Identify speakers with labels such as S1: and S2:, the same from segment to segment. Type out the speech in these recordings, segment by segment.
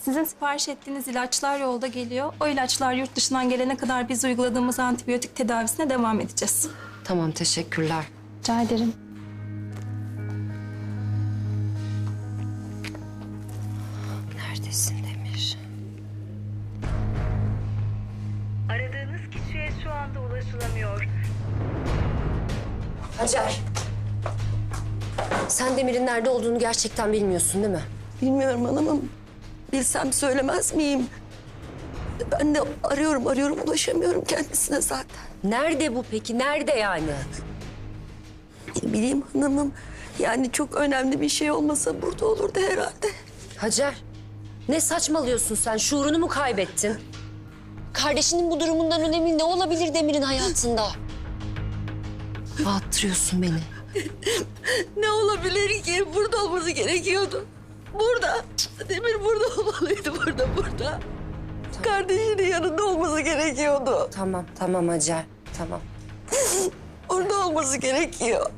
S1: Sizin sipariş ettiğiniz ilaçlar yolda geliyor. O ilaçlar yurt dışından gelene kadar biz uyguladığımız antibiyotik tedavisine devam edeceğiz.
S2: Tamam, teşekkürler.
S1: Rica ederim.
S2: Neredesin Demir?
S3: Aradığınız kişiye şu anda ulaşılamıyor.
S2: Hacer. Sen Demir'in nerede olduğunu gerçekten bilmiyorsun değil mi?
S4: Bilmiyorum hanımım. Bilsem söylemez miyim? Ben de arıyorum ulaşamıyorum kendisine zaten.
S2: Nerede bu peki? Nerede yani?
S4: Ne bileyim hanımım. Yani çok önemli bir şey olmasa burada olurdu herhalde.
S2: Hacer, ne saçmalıyorsun sen? Şuurunu mu kaybettin? Kardeşinin bu durumundan önemli ne olabilir Demir'in hayatında? Bağıttırıyorsun beni.
S4: Ne olabilir ki? Burada olması gerekiyordu. Burada. Demir burada olmalıydı, burada. Kardeşinin yanında olması gerekiyordu.
S2: Tamam Hacer, tamam.
S4: Orada olması gerekiyor.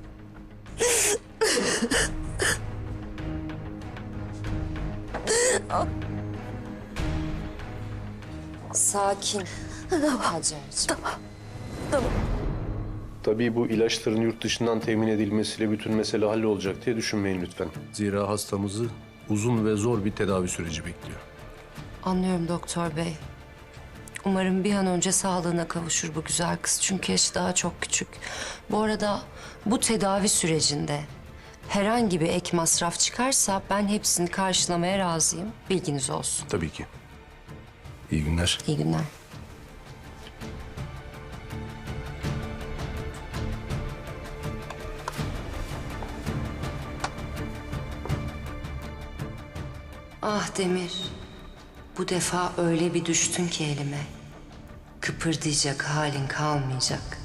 S2: Sakin. Hacer'ciğim.
S4: Tamam.
S5: Tabii bu ilaçların yurt dışından temin edilmesiyle bütün mesele hallolacak diye düşünmeyin lütfen. Zira hastamızı uzun ve zor bir tedavi süreci bekliyor.
S2: Anlıyorum doktor bey. Umarım bir an önce sağlığına kavuşur bu güzel kız. Çünkü yaşı daha çok küçük. Bu arada bu tedavi sürecinde herhangi bir ek masraf çıkarsa ben hepsini karşılamaya razıyım. Bilginiz olsun.
S5: Tabii ki. İyi günler.
S2: İyi günler. Ah Demir, bu defa öyle bir düştün ki elime. Kıpırdayacak halin kalmayacak.